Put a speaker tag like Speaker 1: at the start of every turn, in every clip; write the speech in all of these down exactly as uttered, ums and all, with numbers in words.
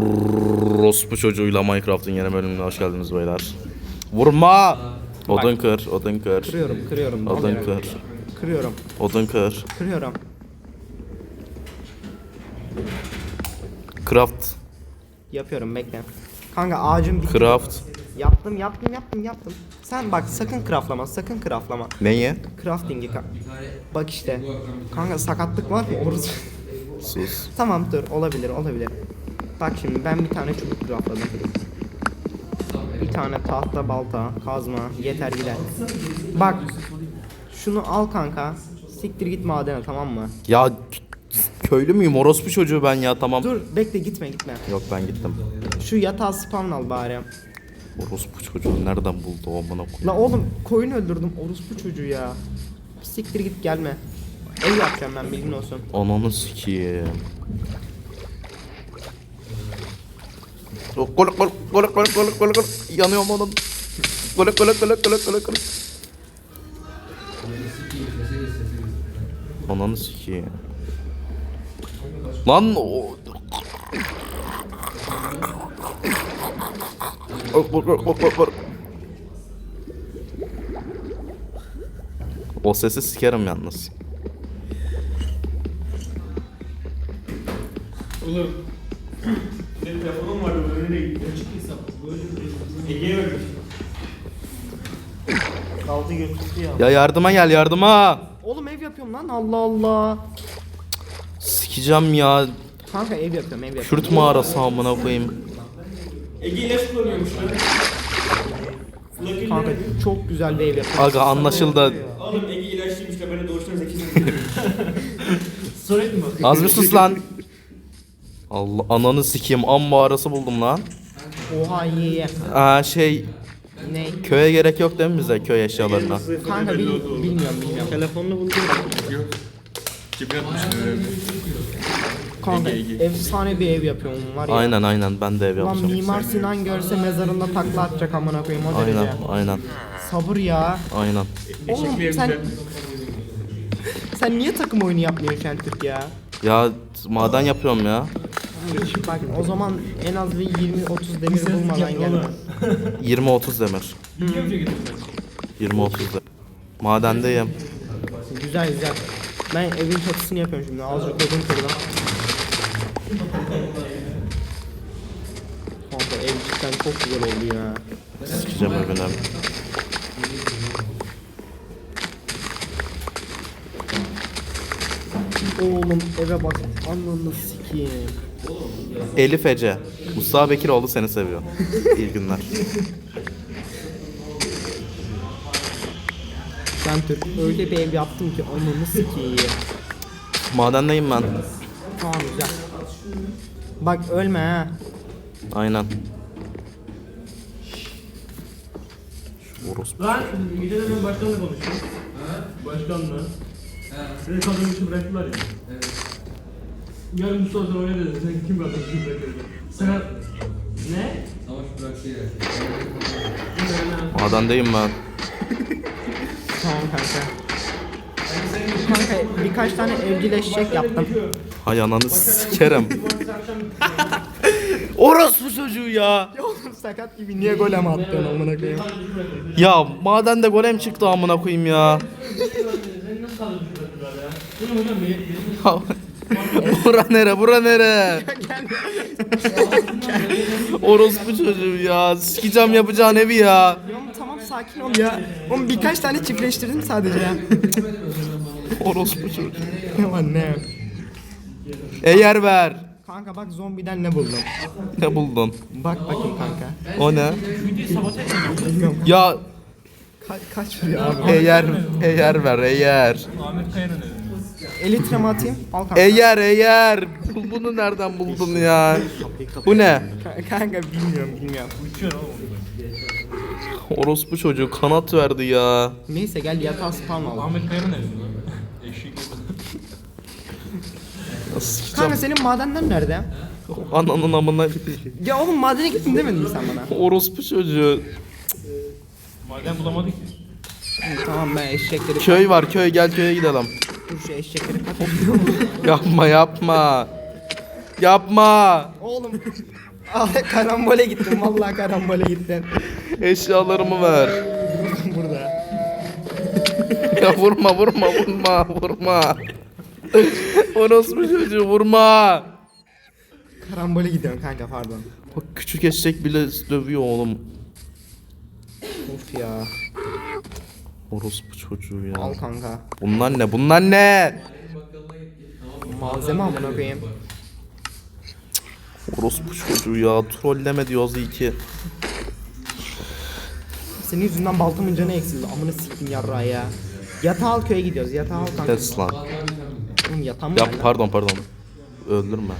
Speaker 1: Orospu çocuğuyla Minecraft'ın yeni bölümüne hoş geldiniz beyler. Vurma! Odun kır, odun kır.
Speaker 2: Kırıyorum, kırıyorum.
Speaker 1: Odun kır.
Speaker 2: Kırıyorum,
Speaker 1: Odun kır.
Speaker 2: kırıyorum.
Speaker 1: Craft.
Speaker 2: Yapıyorum, bekle. Kanka ağacım bitti.
Speaker 1: Craft.
Speaker 2: Yaptım, yaptım, yaptım, yaptım. Sen bak sakın craftlama, sakın craftlama.
Speaker 1: Neyi?
Speaker 2: Crafting'i ka- Bak işte. Kanka sakatlık var mı? Orası.
Speaker 1: Sus.
Speaker 2: Tamam dur, olabilir, olabilir. Bak şimdi ben bir tane çubuk craftladım. Bir tane tahta, balta, kazma, yeter gider. Bak. Şunu al kanka. Siktir git madene, tamam mı?
Speaker 1: Ya köylü müyüm? Orospu çocuğu ben ya, tamam.
Speaker 2: Dur, bekle, gitme, gitme.
Speaker 1: Yok, ben gittim.
Speaker 2: Şu yatağı spawn al bari.
Speaker 1: Orospu çocuğu nereden buldu o amına koyayım?
Speaker 2: La oğlum koyun öldürdüm orospu çocuğu ya. Siktir git gelme. Ev yapacağım ben, bilgin olsun.
Speaker 1: Ananı sikiyim. Gol gol gol gol gol gol gol gol yanıyorum oğlum. Gol gol gol gol gol gol. Ananı sikiyim. Lan o. O sesi sikerim yalnız.
Speaker 3: Oğlum. Benim telefonum vardı, nereye gitti? Açık hesap. Ege'ye vermiş. Kaldı götürdü ya.
Speaker 1: Ya yardıma gel, yardıma.
Speaker 2: Oğlum ev yapıyorum lan, Allah Allah.
Speaker 1: Sikeceğim ya.
Speaker 2: Kanka ev yapıyorum, ev yapıyorum.
Speaker 1: Kürt mağarası amına koyayım.
Speaker 3: Ege ilaç kullanıyormuş lan. Flagil
Speaker 2: Kanka
Speaker 3: ne?
Speaker 2: çok güzel bir ev yapıyorum.
Speaker 1: Aga anlaşıldı.
Speaker 3: Oğlum Ege ilaçlıymış da beni doğuştan zeki sanıyor. Sorayım mı?
Speaker 1: Az bir sus lan. Allah ananı sikeyim, am mağarası buldum lan.
Speaker 2: Oha iyi iyi.
Speaker 1: Aa şey,
Speaker 2: Ne?
Speaker 1: köye gerek yok değil mi bize, köy eşyalarına?
Speaker 2: Kanka bil, bilmiyorum bilmiyorum.
Speaker 3: Telefonunu buldum. Yok. Cebine atmıştım öyle.
Speaker 2: Kanka
Speaker 3: Ege, Ege.
Speaker 2: efsane bir ev yapıyorum var ya.
Speaker 1: Aynen aynen, ben de ev
Speaker 2: Lan
Speaker 1: yapacağım.
Speaker 2: Mimar Sinan görse mezarında takla atacak amına koyayım o derece.
Speaker 1: Aynen aynen
Speaker 2: Sabır ya.
Speaker 1: aynen.
Speaker 2: Oğlum
Speaker 3: bir
Speaker 2: sen
Speaker 3: evde.
Speaker 2: sen niye takım oyunu yapmıyorsun Şentürk ya?
Speaker 1: Ya maden yapıyorum ya.
Speaker 2: Bak o zaman en az bir yirmi otuz demir bulmadan gelme.
Speaker 1: yirmi otuz demir. yirmi otuz demir. Madendeyim.
Speaker 2: Güzel güzel. Ben evin çatısını yapıyorum şimdi. Azıcık odun kırdım. Kanka ev cidden çok güzel oldu ya.
Speaker 1: Sikeceğim evine.
Speaker 2: Oğlum eve bak. Ananı sikeyim.
Speaker 1: Elif Ece. Mustafa Bekiroğlu seni seviyor. İyi günler.
Speaker 2: Şentürk öyle bir ev yaptım ki ananı sikeyim.
Speaker 1: Madendeyim ben.
Speaker 2: Tamam güzel. Bak ölme ha.
Speaker 1: Aynen. Şu orospu.
Speaker 3: Lan gece de ben başkanla konuştum. Başkanla. Beni kadın için bıraktılar ya. Evet. Yarın Mustafa sana öyle dedi. Sen kim kadın için bırakıyorsun? Sen... Ne?
Speaker 4: Savaş bıraktı ya.
Speaker 1: Madendeyim ben.
Speaker 2: Tamam kanka. Kanka birkaç tane evcilleşecek yaptım.
Speaker 1: Hay ananı sikerim. Orospu çocuğu ya.
Speaker 2: Ya oğlum sakat gibi niye gol ama attın amına koyayım?
Speaker 1: Ya madende golem çıktı amına koyayım ya.
Speaker 3: Sen nasıl kadın için bıraktılar ya? Bu ne hocam? Benim...
Speaker 1: Bura nere, bura nere? Orospu çocuğu ya. Sikeceğim yapacağın evi ya.
Speaker 2: Oğlum tamam sakin ol ya. Oğlum birkaç tane çiftleştirdim sadece ya.
Speaker 1: Orospu çocuğu.
Speaker 2: Ne var ne?
Speaker 1: Eğer ver.
Speaker 2: Kanka bak zombiden ne buldum?
Speaker 1: Ne buldun?
Speaker 2: Bak bakayım kanka.
Speaker 1: O ne? Ya
Speaker 2: Ka- kaç vuruyor abi?
Speaker 1: eğer eğer ver eğer.
Speaker 2: Elitre mi atayım? Al kanka.
Speaker 1: Eğer eğer. Bunu nereden buldun ya? Bu ne?
Speaker 2: Ka- kanka bilmiyorum bilmiyorum.
Speaker 1: Orospu çocuğu kanat verdi ya.
Speaker 2: Neyse gel yatağı spawn al.
Speaker 3: Ahmet Kaya'nın evi mi? Eşek.
Speaker 1: Nasıl sikeceğim?
Speaker 2: Kanka senin madenler nerede?
Speaker 1: Ananın amına.
Speaker 2: Ya oğlum madene gittin demedin mi sen bana?
Speaker 1: Orospu çocuğu.
Speaker 3: Maden bulamadık ki.
Speaker 2: Tamam ben eşekleri...
Speaker 1: Köy var, köy, gel köye gidelim.
Speaker 2: Dur şu eşekleri kat.
Speaker 1: Yapma yapma. Yapma.
Speaker 2: Oğlum Ah karambole gittim vallahi karambole gittim.
Speaker 1: Eşyalarımı ver.
Speaker 2: Burada.
Speaker 1: Ya vurma vurma vurma vurma. Orospu çocuğu vurma.
Speaker 2: Karambole gidiyorum kanka pardon.
Speaker 1: Bak küçük eşek bile dövüyor oğlum.
Speaker 2: Of ya.
Speaker 1: Orospu çocuğu ya.
Speaker 2: Al kanka.
Speaker 1: Bunlar ne? Bunlar ne?
Speaker 2: Malzeme amına koyayım.
Speaker 1: Orospu çocuğu ya. Trolleme diyoruz iyi ki.
Speaker 2: Senin yüzünden baltamın canı eksildi. Amına siktim yarrağı ya. Yatağı al köye gidiyoruz. Yatağı al kanka.
Speaker 1: Kes lan.
Speaker 2: Oğlum yatağım
Speaker 1: Ya
Speaker 2: var lan.
Speaker 1: pardon pardon. Öldürme.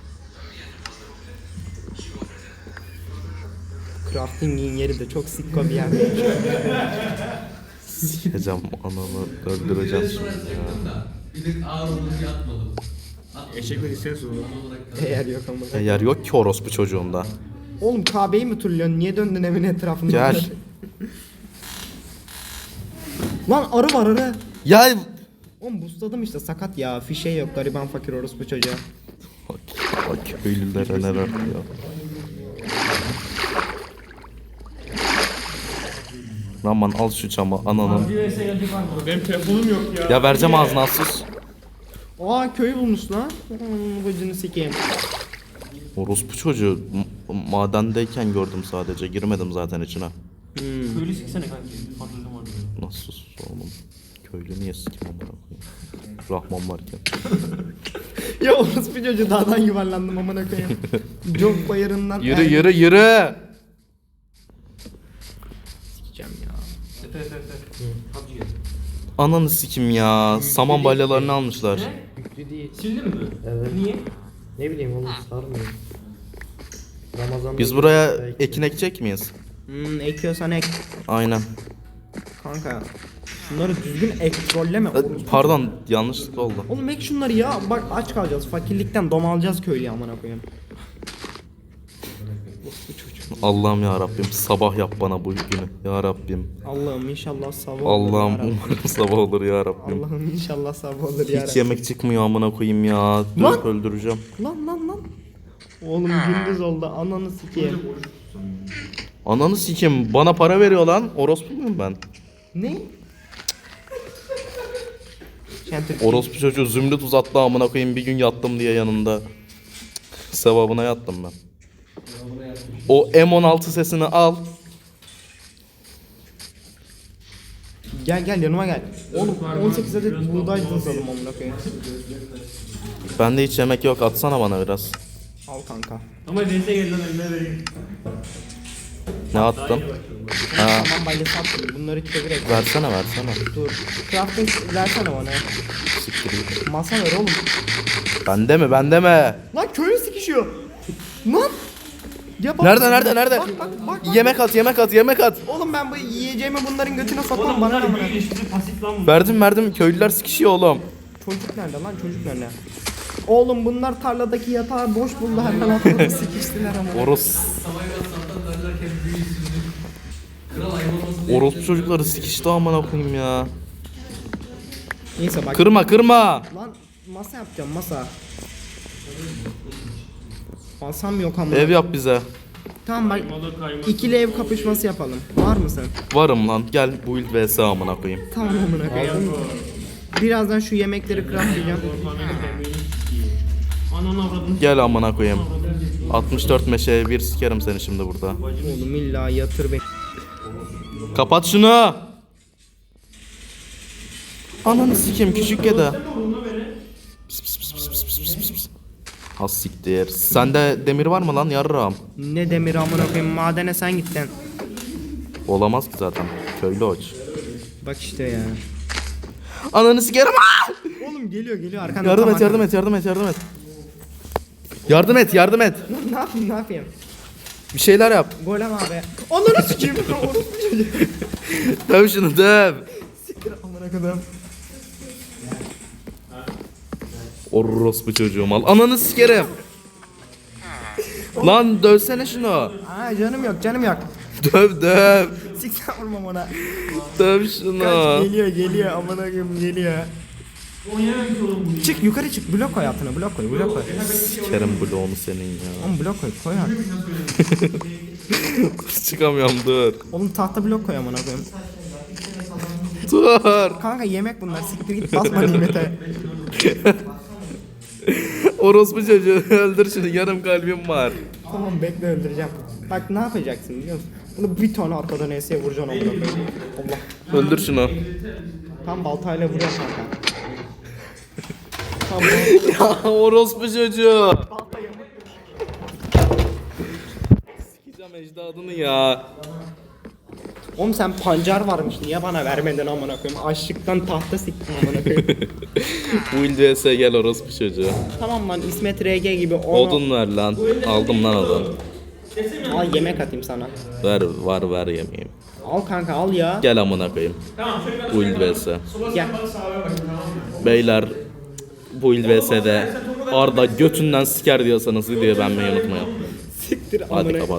Speaker 2: Crafting'in yeri de çok sikko bir yer.
Speaker 1: Sikeceğim ananı. Öldüreceğim şimdi ya.
Speaker 4: Bir de ağır olur diye atmadım.
Speaker 3: Eşekler istiyorsun onu.
Speaker 2: Eğer yok ama.
Speaker 1: E, yer yok ki orospu çocuğunda.
Speaker 2: Oğlum Kabe'yi mi turluyorsun? Niye döndün evin etrafında?
Speaker 1: Gel.
Speaker 2: Lan arı var arı.
Speaker 1: Ya
Speaker 2: Oğlum busladım işte sakat ya. Fişe yok gariban fakir orospu çocuğa.
Speaker 1: bak, bak köylülere neler diyor. Aman al şu çamı ananın.
Speaker 3: Bir vs gelecek var mı? Benim telefonum yok ya.
Speaker 1: Ya vereceğim ağzına sus.
Speaker 2: Aa köy bulmuş lan. Hmm, Bacını sikeyim.
Speaker 1: Orospu çocuğu m- madendeyken gördüm sadece. Girmedim zaten içine.
Speaker 2: Hmm.
Speaker 3: Köylü siksene kanki. Fantezim var.
Speaker 1: Nasıl oğlum? Köylü niye sikim amına koyayım? Rahman varken.
Speaker 2: Ya orospu çocuğu dağdan yuvarlandım amına koyayım. Çok bayırından.
Speaker 1: Yürü yürü yürü.
Speaker 2: Sikeceğim ya.
Speaker 3: Yeter yeter yeter. Hadi gel.
Speaker 1: Ananı sikim ya. Saman balyalarını almışlar.
Speaker 3: Ne?
Speaker 2: Yüklü değil.
Speaker 3: Sildin mi?
Speaker 2: Evet.
Speaker 3: Niye?
Speaker 2: Ne bileyim oğlum sarmıyor. Ramazan'da
Speaker 1: Biz buraya ekin ekecek miyiz?
Speaker 2: Hmm, ekiyorsan ek.
Speaker 1: Aynen.
Speaker 2: Kanka. Şunları düzgün ek trolleme.
Speaker 1: E,
Speaker 2: orospu.
Speaker 1: Pardon yanlışlıkla oldu.
Speaker 2: Oğlum ek şunları ya. Bak aç kalacağız. Fakirlikten domalacağız köylüye amına koyayım. Orospu çocuğu.
Speaker 1: Allah'ım ya Rabbim sabah yap bana bu günü ya Rabbim.
Speaker 2: Allah'ım inşallah sabah olur
Speaker 1: Allah'ım
Speaker 2: ya Rabbim.
Speaker 1: umarım sabah olur ya Rabbim.
Speaker 2: Allah'ım inşallah sabah olur ya
Speaker 1: Hiç
Speaker 2: Rabbim.
Speaker 1: yemek çıkmıyor amına koyayım ya. Dur
Speaker 2: Lan!
Speaker 1: öldüreceğim.
Speaker 2: Lan lan lan. Oğlum gündüz oldu ananı sikeyim.
Speaker 1: Ananı sikim bana para veriyor lan. Orospu muyum ben?
Speaker 2: Ne? Şentür.
Speaker 1: Orospu çocuğu zümrüt uzattı amına koyayım bir gün yattım diye yanında. Sevabına yattım ben. O M on altı sesini al.
Speaker 2: Gel gel yanıma gel. Oğlum on sekiz adet buğday tuzladım amına koyayım.
Speaker 1: Bende hiç yemek yok atsana bana biraz.
Speaker 2: Al kanka.
Speaker 3: Ama vs gel lan eline vereyim.
Speaker 1: Ne attın? Ha,
Speaker 2: Tamam balyası attım. Bunları çevirek.
Speaker 1: versene versene.
Speaker 2: Dur. Crafting versene bana.
Speaker 1: Siktir git.
Speaker 2: Masa ver oğlum.
Speaker 1: Bende mi bende mi?
Speaker 2: Lan köylü sikişiyor. Lan. Ya bak-
Speaker 1: Nerede nerede nerede?
Speaker 2: Bak bak bak. bak.
Speaker 1: Yemek at yemek at yemek at.
Speaker 2: Oğlum ben bu yiyeceğimi bunların götüne sokmam
Speaker 3: Oğlum
Speaker 2: bana ne
Speaker 3: bunlar
Speaker 2: amına.
Speaker 3: büyük ilişkisi pasif lan bu.
Speaker 1: Verdim verdim köylüler sikişiyor oğlum.
Speaker 2: Çocuk nerede lan çocuk nerede? Oğlum bunlar tarladaki yatağı boş buldu hemen atladı sikiştiler ama.
Speaker 1: Oros
Speaker 4: Sabah sabahtan derlerken büyüsüzlük. Kral ayıp olmasın diye.
Speaker 1: orospu çocukları sikişti amına koyayım ya.
Speaker 2: Neyse bak.
Speaker 1: Kırma kırma.
Speaker 2: Lan masa yapacağım masa. Masam yok ama.
Speaker 1: Ev yap bize.
Speaker 2: Tamam bak.
Speaker 3: Kaymalı kaymalı.
Speaker 2: İkili ev kapışması yapalım. Var mısın?
Speaker 1: Varım lan gel build vs amına koyayım.
Speaker 2: Tamam amına koyayım. Birazdan şu yemekleri craftlayacağım.
Speaker 3: Ananı avradını.
Speaker 1: Gel amına koyayım. altmış dört meşeye bir sikerim seni şimdi burada.
Speaker 2: Oğlum illa yatır beni.
Speaker 1: Kapat şunu. Ananı sikeyim küçük kedi. Pis pis pis pis pis pis pis pis. Az siktir. Sende demir var mı lan yarrağım?
Speaker 2: Ne demir amına koyayım madene sen gittin.
Speaker 1: Olamaz ki zaten. Köylü oç.
Speaker 2: Bak işte ya.
Speaker 1: Ananı sikerim. Aa!
Speaker 2: Oğlum geliyor geliyor arkanda.
Speaker 1: Yardım
Speaker 2: tam
Speaker 1: et yardım et yardım et yardım et. Yardım et yardım et.
Speaker 2: arkanda. Ne yapayım ne yapayım?
Speaker 1: Bir şeyler yap.
Speaker 2: Golem abi. Onları sikeyim. Orospu çocuğu.
Speaker 1: Döv şunu döv.
Speaker 2: Siktir amına koyayım.
Speaker 1: Orospu çocuğum al. Ananı sikerim. Lan dövsene şunu.
Speaker 2: Aa canım yok canım yok.
Speaker 1: Döv döv.
Speaker 2: Siktir vurmam ona.
Speaker 1: Döv şunu.
Speaker 2: Kaç geliyor geliyor amına koyayım geliyor.
Speaker 3: Oynayamayız oğlum bunu.
Speaker 2: Çık yukarı çık. Blok koy altına. Blok koy. Blok koy.
Speaker 1: Sikerim bloğunu senin ya.
Speaker 2: Oğlum blok koy. Koy artık.
Speaker 1: Çıkamıyorum dur.
Speaker 2: Oğlum tahta blok koy amına koyayım.
Speaker 1: Dur.
Speaker 2: Kanka yemek bunlar. Siktir git basma nimete.
Speaker 1: Orospu çocuğu öldür şunu, yarım kalbim var.
Speaker 2: Tamam bekle öldüreceğim. Bak ne yapacaksın biliyor musun? Bunu bir tane atladan S'ye vuracaksın amına koyayım. Allah.
Speaker 1: Öldür şunu.
Speaker 2: Tam baltayla vuruyor kanka. Tamam.
Speaker 1: Ya orospu çocuğu. Sikeceğim ecdadını ya.
Speaker 2: Oğlum sen pancar varmış niye bana vermedin amına koyayım? Açlıktan tahta siktim amına koyayım.
Speaker 1: Build vs gel orospu çocuğu.
Speaker 2: Tamam lan İsmet R G gibi onu...
Speaker 1: Odun ver lan. Aldım lan odun.
Speaker 2: Al yemek atayım sana.
Speaker 1: Ver var ver yemeyeyim.
Speaker 2: Al kanka al ya.
Speaker 1: Gel amına koyayım. Build vs.
Speaker 2: Gel.
Speaker 1: Beyler Build vs'de Arda götünden siker diyorsanız videoyu beğenmeyi unutmayın.
Speaker 2: Siktir
Speaker 1: Hadi
Speaker 2: amına.
Speaker 1: kapat.